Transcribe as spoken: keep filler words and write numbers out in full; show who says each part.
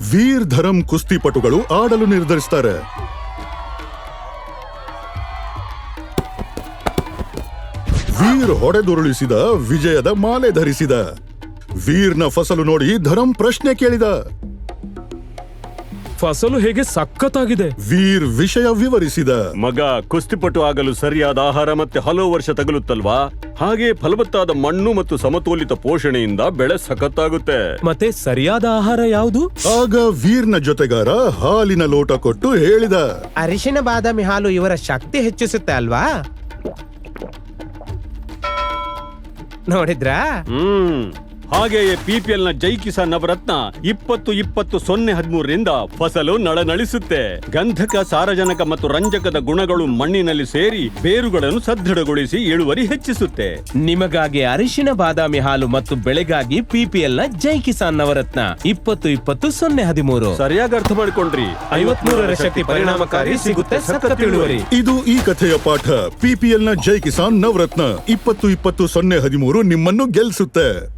Speaker 1: ವೀರ್ ಧರಮ್ ಕುಸ್ತಿಪಟುಗಳು ಆಡಲು ನಿರ್ಧರಿಸ್ತಾರೆ. ವೀರ್ ಹೊಡೆದುರುಳಿಸಿದ, ವಿಜಯದ ಮಾಲೆ ಧರಿಸಿದ. ವೀರ್ನ ಫಸಲು ನೋಡಿ ಧರಮ್ ಪ್ರಶ್ನೆ ಕೇಳಿದ.
Speaker 2: ಫಸಲು ಹೇಗೆ ಸಖತ್ತಾಗಿದೆ.
Speaker 1: ವೀರ್ ವಿಷಯ ವಿವರಿಸಿದ.
Speaker 3: ಮಗ, ಕುಸ್ತಿಪಟು ಆಗಲು ಸರಿಯಾದ ಆಹಾರ ಮತ್ತೆ ಹಲವು ವರ್ಷ ತಗಲುತ್ತಲ್ವಾ? ಹಾಗೆ ಫಲವತ್ತಾದ ಮಣ್ಣು ಮತ್ತು ಸಮತೋಲಿತ ಪೋಷಣೆಯಿಂದ ಬೆಳೆ ಸಖತ್ತಾಗುತ್ತೆ.
Speaker 2: ಮತ್ತೆ ಸರಿಯಾದ ಆಹಾರ ಯಾವುದು?
Speaker 1: ಆಗ ವೀರ್ನ ಜೊತೆಗಾರ ಹಾಲಿನ ಲೋಟ ಕೊಟ್ಟು ಹೇಳಿದ,
Speaker 4: ಅರಿಶಿನ ಬಾದಾಮಿ ಹಾಲು ಇವರ ಶಕ್ತಿ ಹೆಚ್ಚಿಸುತ್ತೆ ಅಲ್ವಾ? ನೋಡಿದ್ರಾ?
Speaker 3: ಹ್ಮ್ ಹಾಗೆಯೇ ಪಿಪಿಎಲ್ ನ ಜೈ ಕಿಸಾನ್ ನವರತ್ನ ಇಪ್ಪತ್ತು ಇಪ್ಪತ್ತು ಸೊನ್ನೆ ಹದಿಮೂರರಿಂದ ಫಸಲು ನಳನಳಿಸುತ್ತೆ. ಗಂಧಕ, ಸಾರಜನಕ ಮತ್ತು ರಂಜಕದ ಗುಣಗಳು ಮಣ್ಣಿನಲ್ಲಿ ಸೇರಿ ಬೇರುಗಳನ್ನು ಸದೃಢಗೊಳಿಸಿ ಇಳುವರಿ ಹೆಚ್ಚಿಸುತ್ತೆ.
Speaker 4: ನಿಮಗಾಗಿ ಅರಿಶಿನ ಬಾದಾಮಿ ಹಾಲು ಮತ್ತು ಬೆಳೆಗಾಗಿ ಪಿಪಿಎಲ್ ನ ಜೈ ಕಿಸಾನ್ ನವರತ್ನ ಇಪ್ಪತ್ತು ಇಪ್ಪತ್ತು ಸೊನ್ನೆ ಹದಿಮೂರು.
Speaker 3: ಸರಿಯಾಗಿ ಅರ್ಥ ಮಾಡ್ಕೊಂಡ್ರಿ.
Speaker 4: ಐವತ್ಮೂರರ ಶಕ್ತಿ ಪರಿಣಾಮಕಾರಿ, ಸಿಗುತ್ತೆ ಸಖತ್ ಇಳುವರಿ.
Speaker 1: ಇದು ಈ ಕಥೆಯ ಪಾಠ. ಪಿಪಿಎಲ್ ನ ಜೈ ಕಿಸಾನ್ ನವರತ್ನ ಇಪ್ಪತ್ತು ಇಪ್ಪತ್ತು ಸೊನ್ನೆ ಹದಿಮೂರು ನಿಮ್ಮನ್ನು ಗೆಲ್ಲಿಸುತ್ತೆ.